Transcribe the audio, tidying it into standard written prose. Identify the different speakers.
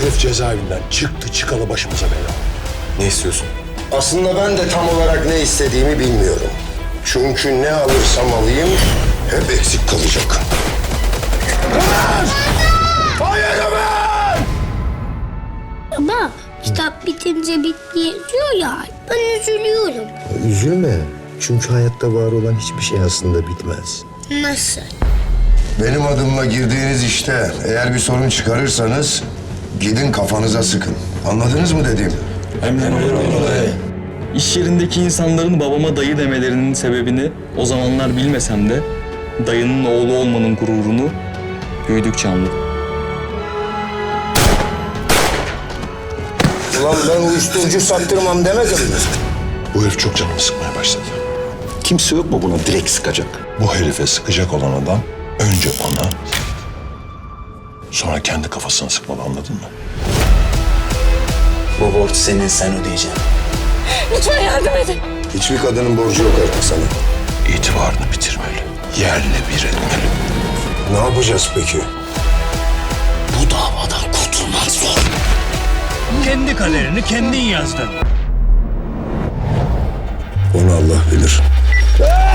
Speaker 1: Herif cezaevinden çıktı çıkalı başımıza bela oldu.
Speaker 2: Ne istiyorsun?
Speaker 3: Aslında ben de tam olarak ne istediğimi bilmiyorum. Çünkü ne alırsam alayım hep eksik kalacak.
Speaker 1: Hayır Ömer!
Speaker 4: Ama kitap bitince bitti yazıyor ya. Ben üzülüyorum.
Speaker 3: Üzülme. Çünkü hayatta var olan hiçbir şey aslında bitmez.
Speaker 4: Nasıl?
Speaker 3: Benim adımla girdiğiniz işte eğer bir sorun çıkarırsanız gidin kafanıza sıkın. Anladınız mı dediğimi?
Speaker 5: İş yerindeki insanların babama dayı demelerinin sebebini o zamanlar bilmesem de dayının oğlu olmanın gururunu büyüdükçe anladım.
Speaker 3: Ulan ben uyuşturucu sattırmam demedim mi?
Speaker 1: Bu herif çok canımı sıkmaya başladı.
Speaker 6: Kimse yok mu buna direkt sıkacak?
Speaker 1: Bu herife sıkacak olan adam önce ona, sonra kendi kafasına sıkmalı, anladın mı?
Speaker 2: Bu borç senin, sen ödeyeceksin.
Speaker 4: Lütfen yardım edin.
Speaker 3: Hiçbir kadının borcu yok artık sana.
Speaker 1: İtibarını bitirmeli, yerle bir etmeli.
Speaker 3: Ne yapacağız peki?
Speaker 1: Bu davadan kurtulmak zor.
Speaker 7: Kendi kaderini kendin yazdın.
Speaker 3: Onu Allah bilir.